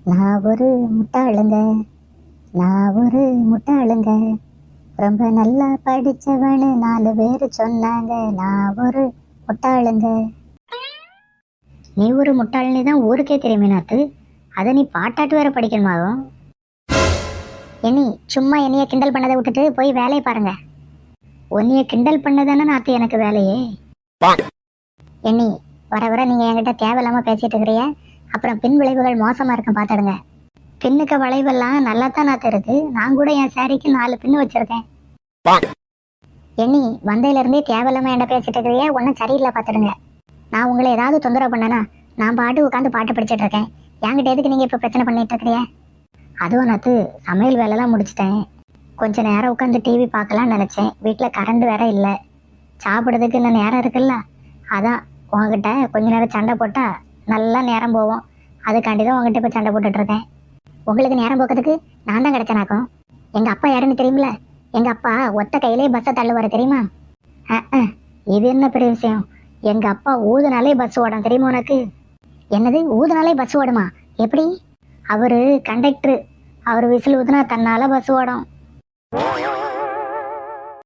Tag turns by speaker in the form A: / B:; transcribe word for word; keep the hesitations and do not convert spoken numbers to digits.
A: நான் ஒரு முட்டாளுங்க, நான் ஒரு முட்டாளுங்க, ரொம்ப நல்லா படிச்சவனு நாலு பேர் சொன்னாங்க. நான் ஒரு முட்டாளுங்க. நீ ஒரு முட்டாள்னு தான் ஊருக்கே தெரியுமே நாத்து. அதை நீ பாட்டாட்டு வேற படிக்கணுமாகும். என்னி சும்மா என்னைய கிண்டல் பண்ணதை விட்டுட்டு போய் வேலையை பாருங்க. உன்னைய கிண்டல் பண்ணதானே நாத்து எனக்கு வேலையே. என்னி வர வர நீங்க என்கிட்ட தேவையில்லாம பேசிட்டு இருக்கிறீங்க. அப்புறம் பின் விளைவுகள் மோசமா இருக்கும் பாத்துடுங்க. பின்னுக்கு வளைவெல்லாம் நல்லா தான் நாத்து இருக்கு. நான் கூட என் சாரிக்கு நாலு பின்னு வச்சிருக்கேன். என்னி வந்தையில இருந்தே தேவையில்லாம என்கிட்ட பேசிட்டு இருக்கிறீங்க. ஒன்னும் சரியில்லை பாத்துடுங்க. நான் உங்களை ஏதாவது தொந்தரவு பண்ணனா நான் பாட்டு உட்காந்து பாட்டு படிச்சுட்டு இருக்கேன். என்கிட்ட எதுக்கு நீங்க இப்ப பிரச்சனை பண்ணிட்டு இருக்கிறீங்க? அதுவும் நாத்து சமையல் வேலைலாம் முடிச்சிட்டேன். கொஞ்ச நேரம் உட்காந்து டிவி பார்க்கலாம்னு நினைச்சேன். வீட்டுல கரண்ட் வேற இல்லை. சாப்பிடுறதுக்கு இன்னும் நேரம் இருக்குல்ல. அதான் உங்ககிட்ட கொஞ்ச நேரம் சண்டை போட்டா நல்லா நேரம் போவோம். அதுக்காண்டி தான் உங்ககிட்ட இப்போ சண்டை போட்டுட்டு இருக்கேன். உங்களுக்கு நேரம் போக்கிறதுக்கு நான் தான் கிடைச்சனாக்கும். எங்க அப்பா யாருன்னு தெரியுமில? எங்க அப்பா ஒத்த கையிலே பஸ்ஸை தள்ளுவாரு தெரியுமா? அஹ் இது என்ன பெரிய விஷயம்? எங்க அப்பா ஊதுனாலே பஸ் ஓடும் தெரியுமா உனக்கு? என்னது ஊதுனாலே பஸ் ஓடுமா? எப்படி? அவரு கண்டக்டரு. அவர் விசில் ஊதுனா தன்னால பஸ் ஓடும்.